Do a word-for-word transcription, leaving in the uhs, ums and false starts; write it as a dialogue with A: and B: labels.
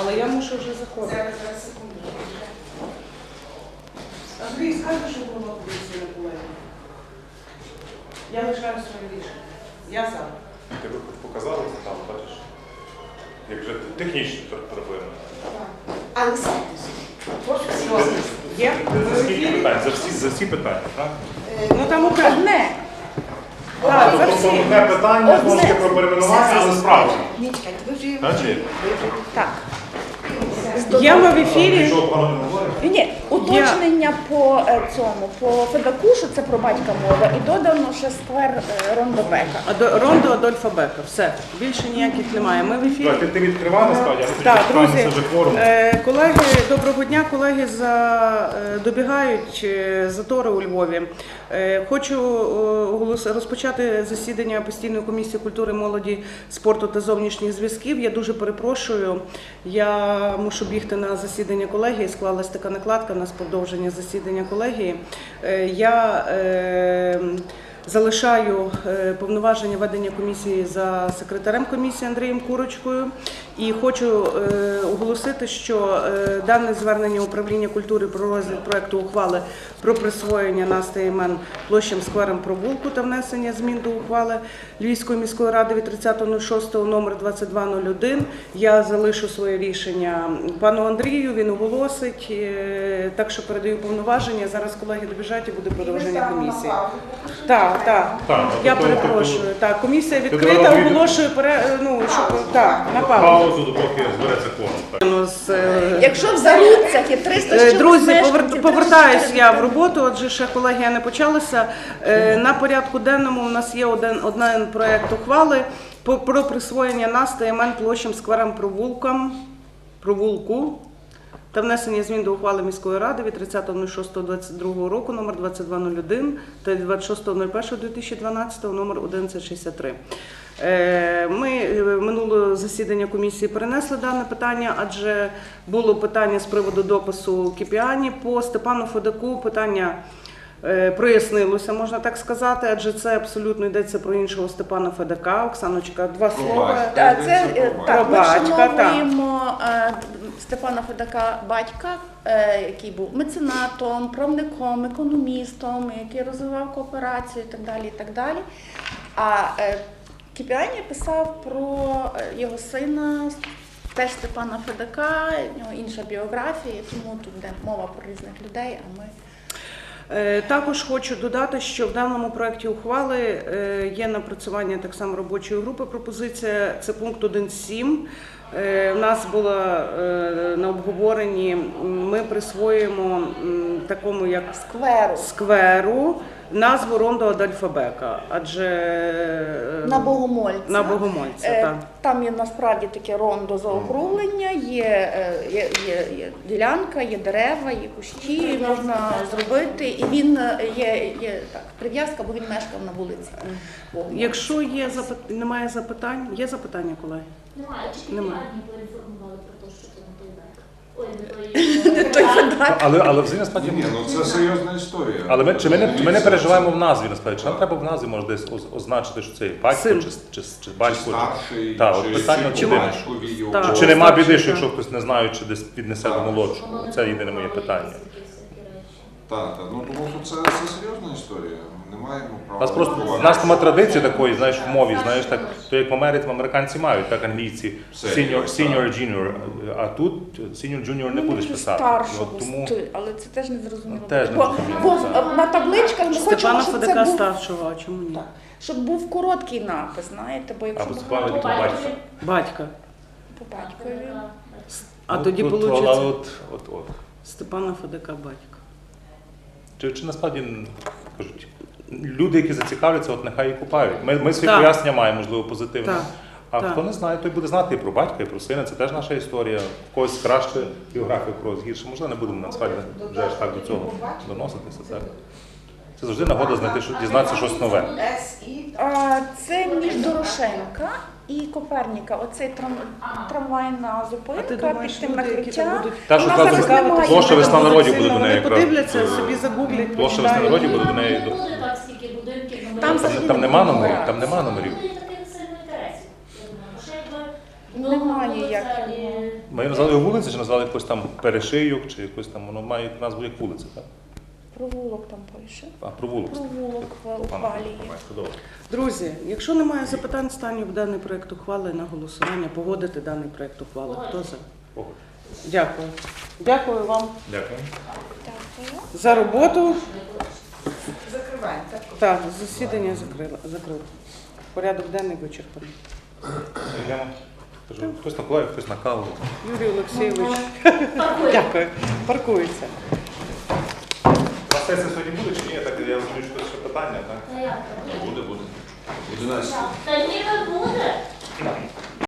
A: але я мушу вже заходити.
B: Зараз, зараз, секунду. Андрій, скажи, що голова поліції на колеги. Я лишаю своє рішення. Я за.
C: Ти би показали це там, бачиш? Як вже технічно проблеми.
B: Але садись.
A: Є?
C: За скільки питань? За всі, за всі питання, так?
A: Ну там окремо.
D: Одне.
A: Так, за
C: Тобто
A: всі.
C: одне питання, знову ж таки про перейменування, але справді.
B: Ні, чекайте, ви вже...
C: Так, чи?
D: Так.
A: Є ми в ефірі.
C: Нічого поганого не говоримо?
D: Ні, уточнення по е, цьому, по Федаку, що це про батька мова, і додано ще сквер е, Рондобека.
A: Адо- Рондо Адольфа Бека. Все. Більше ніяких немає. Ми в ефірі.
C: Так, Ти, ти відкривав насправді, а
A: Так,
C: тоді
A: друзі,
C: вже кворум.
A: е, колеги, доброго дня, колеги за, е, добігають е, затори у Львові. Е, Хочу е, оголос- розпочати засідання постійної комісії культури, молоді, спорту та зовнішніх зв'язків. Я дуже перепрошую, я мушу бігти на засідання колегії, склалась така накладка, у нас продовження засідання колегії. Е, Я е, залишаю е, повноваження ведення комісії за секретарем комісії Андрієм Курочкою і хочу е, оголосити, що е, дане звернення управління культури про розгляд проекту ухвали про присвоєння назви імен площам, скверам, провулку та внесення змін до ухвали Львівської міської ради від тридцятого шостого номер двадцять два нуль один. Я залишу своє рішення пану Андрію, він оголосить, е, так що передаю повноваження. Зараз колеги добіжать і буде продовження комісії. Так, так.
C: Так,
A: Я
C: тобто-
A: перепрошую. Так, комісія
C: Ти
A: відкрита,
C: давала відео?
A: оголошую пере... ну, щоб так, на паузу.
C: Паузу, допоки збереться кворум. так.
A: Ну, з, е,
D: Якщо в Заруцях є триста
A: Е,
D: чоловік
A: Друзі,
D: мешканців,
A: повер- повертаюсь
D: триста
A: я в
D: чоловік.
A: роботу, отже, ще колегія не почалася. Е, На порядку денному у нас є один, один проект ухвали по- про присвоєння назв та імен площам, скверам, провулкам, провулку та внесення змін до ухвали міської ради від тридцятого шостого двадцять другого року номер двадцять два нуль один та двадцять шостого першого дві тисячі дванадцятого номер одинадцять шістдесят три. Е, Ми е, минуле засідання комісії перенесли дане питання, адже було питання з приводу допису Кіпіані по Степану Федаку. Питання е, прояснилося, можна так сказати, адже це абсолютно йдеться про іншого Степана Федака. Оксаночка, два слова.
D: Та, це, е, так, ми
A: Батька,
D: вшановуємо е, Степана Федака батька, е, який був меценатом, правником, економістом, який розвивав кооперацію і так далі. І так далі. А е, Кіпіані писав про е, його сина, теж Степана Федака, у нього інша біографія, тому тут йде мова про різних людей, а ми...
A: Е, Також хочу додати, що в даному проєкті ухвали е, є напрацювання так само робочої групи. Пропозиція – це пункт один точка сім. Е, У нас було е, на обговоренні, ми присвоїмо м, такому як
D: Скверу.
A: скверу назву Рондо Адольфа Бека, адже е,
D: На Богомольця.
A: на Богомольця,
D: Е,
A: так.
D: Там є насправді таке рондо заокруглення, є, е, є, є, є ділянка, є дерева, є кущі, можна зробити. І він е, є, є так, прив'язка, бо він мешкав на вулиці. Богомольця.
A: Якщо є запит... немає запитань, є запитання, колеги?
E: Немає, чи
A: Немає.
E: Кіпіані поінформували про те, що це не той Бек? Ой, не той.
D: Той Федак.
C: Але, але взагалі насправді...
F: Ні, ну це серйозна історія.
C: Але ми, чи ми, не, ми не переживаємо в назві, насправді. Чи нам треба в назві, може, десь оз- означити, що це батько,
A: Син.
C: чи, чи, чи
F: Чи
C: батько, чи...
F: старший,
C: Так, от
F: чи
C: питання
F: син
C: от єдине.
F: батькові його.
A: Так.
C: Чи нема біди,
A: Старший,
C: що якщо
A: так.
C: хтось не знає, чи десь піднесе до молодшого? Це єдине моє питання.
F: Так, так. Ну тому що це, це серйозна історія. Ми не маємо
C: У
F: права.
C: нас просто
F: відбувати.
C: в нас нема традиції такої, знаєш, в мові, знаєш, так, то як в Америці, американці мають, так англійці, senior, senior, junior, а тут senior, junior не
D: Ну,
C: будеш
D: чи
C: писати.
D: старшого,
C: От тому
D: сти- але це теж не зрозуміло.
C: Теж не
D: бо,
C: зрозуміло,
D: бо
C: так.
D: на табличках ми хочемо,
A: Степана
D: щоб
A: Федака
D: це був,
A: старшого, а чому ні?
D: так, щоб був короткий напис, знаєте, бо якщо
C: Або
D: ми
C: Степана
D: говоримо
C: Федака. батька.
A: Батька.
D: по батькові.
A: А
C: От
A: тоді
C: тут,
A: вийде
C: але от, от, от.
A: Степана Федака батька.
C: Чи, чи насправді кажуть, люди, які зацікавляться, от нехай і купають. Ми, ми свої
A: Так.
C: пояснення маємо, можливо, позитивне.
A: Так.
C: А
A: Так.
C: хто не знає, той буде знати і про батька, і про сина. Це теж наша історія. В когось краще біографія, в когось гірше. Можливо, не будемо насправді вже аж так до цього доноситися. Так? Це завжди нагода знайти, що дізнатися щось нове.
D: А, це між Дорошенка і Коперніка. Оцей трам, трамвайна
A: А
D: зупинка
A: ти думаєш,
D: під тим
A: люди, які там
D: накриття.
A: будуть
C: Та, що
D: Вона
C: зразу
D: зараз немає.
C: площа весна народів буде до
A: Вони
C: неї якраз.
A: подивляться, собі загуглять,
C: Площа весна
A: почитають.
C: народів буде до неї.
E: Не буде так стільки будинків,
D: Там
E: номерів.
D: взагалі
C: Там нема номерів,
D: немає.
C: там нема номерів.
E: Не буде таких сильно інтересів. Я думаю, бо ще якби Ну,
D: Немає
E: вулиця
D: ніяких.
E: і-
C: Ми назвали його вулицю, чи назвали якось там перешийок, чи якось там, воно має назву як вулиця, так?
D: Провулок там пише.
C: А, провулок.
D: Провулок в ухвалі є.
C: Добре.
A: Друзі, якщо немає запитань, станю в даний проект ухвали на голосування, погодити даний проект ухвали. Хто за?
C: Погодь.
A: Дякую. Дякую вам
C: Дякую.
D: Дякую.
A: за роботу.
B: Закриваємо. Так.
A: Так, засідання закрила, закрито. Порядок денний вичерпаний.
C: Йдемо. Кажу, хтось на колаю, хтось на каву.
A: Юрій Олексійович,
E: Паркуємо.
A: дякую. Паркується.
C: У вас сесія сьогодні буде чи ні? Так, я розумію, що це ще питання, так?
E: Та як?
F: Буде, буде. одинадцять.
E: Та ніби буде.